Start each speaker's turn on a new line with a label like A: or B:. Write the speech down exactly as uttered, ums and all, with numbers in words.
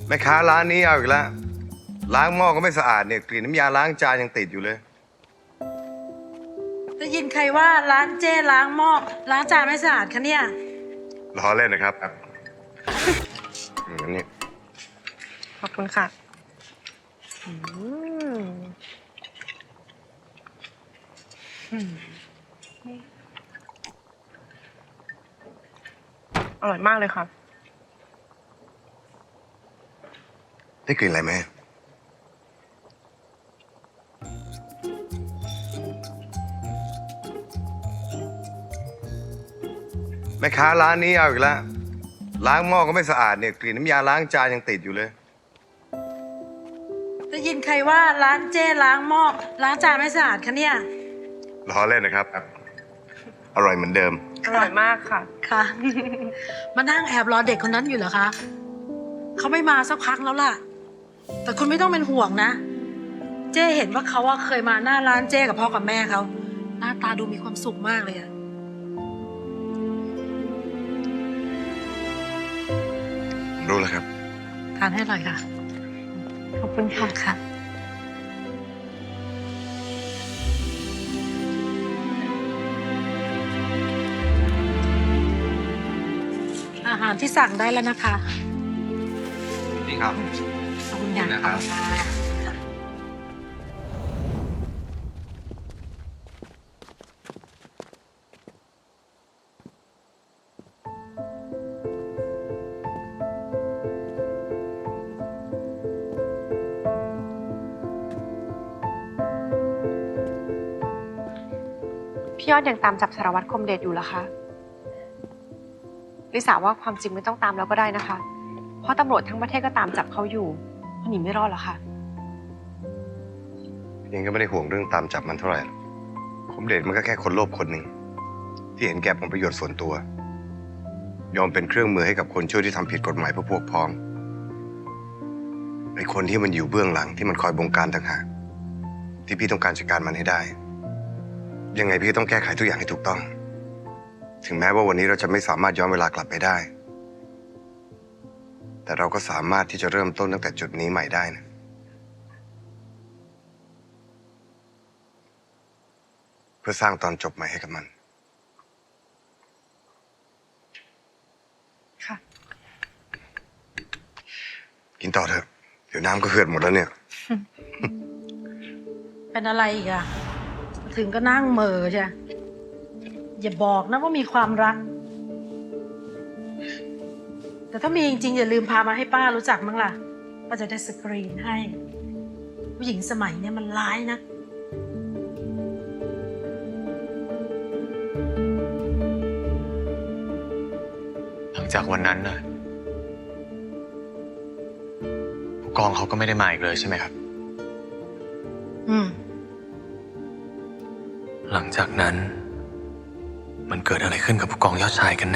A: แม่ค้าร้านนี้เอาอีกแล้วล้างหม้อก็ไม่สะอาดเนี่ยกลิ่นน้ำยาล้างจานยังติดอยู่เลย
B: ได้ยินใครว่าร้านเจ้ล้างหม้อล้างจานไม่สะอาดคะเนี่ย
A: ล้อเล่นนะครับอืมนี่
C: ขอบคุณค่ะอร่อยมากเลยค่ะ
A: ได้กลิ่นอะไรไหมแม่ค้าร้านนี้เอาอีกแล้วล้างหม้อก็ไม่สะอาดเนี่ยกลิ่นน้ำยาล้างจานยังติดอยู่เลย
B: ได้ยินใครว่าร้านเจ้ล้างหม้อล้างจานไม่สะอาดคะเนี่ย
A: ล้อเล่นนะครับอร่อยเหมือนเดิม
C: อร่อยมากค่ะ
B: ค่ะ มานั่งแอบรอเด็กคนนั้นอยู่เหรอคะเขาไม่มาสักพักแล้วล่ะแต่คุณไม่ต้องเป็นห่วงนะเจ้เห็นว่าเขาเคยมาหน้าร้านเจ้กับพ่อกับแม่เขาหน้าตาดูมีความสุขมากเลยอะ
A: รู้แล้วครับ
B: ทานให้อร่อยค่ะ
C: ขอบคุณค่ะ
B: ค่ะอาหารที่สั่งได้แล้วนะคะ
A: นี่ครับ
B: ขอบคุณนะครับ
C: พี่ยอดยังตามจับสารวัตรคมเดชอยู่เหรอคะลิสาว่าความจริงไม่ต้องตามแล้วก็ได้นะคะ เพราะตำรวจทั้งประเทศก็ตามจับเขาอยู่เขาหนีไม่รอดหรอกค่ะ
A: ยังก็ไม่ได้ห่วงเรื่องตามจับมันเท่าไหร่คมเดชมันก็แค่คนโลภคนหนึ่งที่เห็นแก่ผลประโยชน์ส่วนตัวยอมเป็นเครื่องมือให้กับคนชั่วที่ทำผิดกฎหมายเพื่อพวกพ้องไอ้คนที่มันอยู่เบื้องหลังที่มันคอยบงการต่างหากที่พี่ต้องการจัดการมันให้ได้ยังไงพี่ต้องแก้ไขทุกอย่างให้ถูกต้องถึงแม้ว่าวันนี้เราจะไม่สามารถย้อนเวลากลับไปได้แต่เราก็สามารถที่จะเริ่มต้นตั้งแต่จุดนี้ใหม่ได้นะเพื่อสร้างตอนจบใหม่ให้กับมัน
C: ค่ะ
A: กินต่อเถอะเดี๋ยวน้ำก็เหือดหมดแล้วเนี่ย
B: เป็นอะไรอีกอะถึงก็นั่งเหม่อใช่อย่าบอกนะว่ามีความรักแต่ถ้ามีจริงๆอย่าลืมพามาให้ป้ารู้จักมั้งล่ะป้าจะได้สกรีนให้ผู้หญิงสมัยนี้มันร้ายนะ
D: หลังจากวันนั้นนะผู้กองเขาก็ไม่ได้มาอีกเลยใช่ไหมครับ
B: อืม
D: หลังจากนั้นมันเกิดอะไรขึ้นกับผู้กองยอดชายกันแน่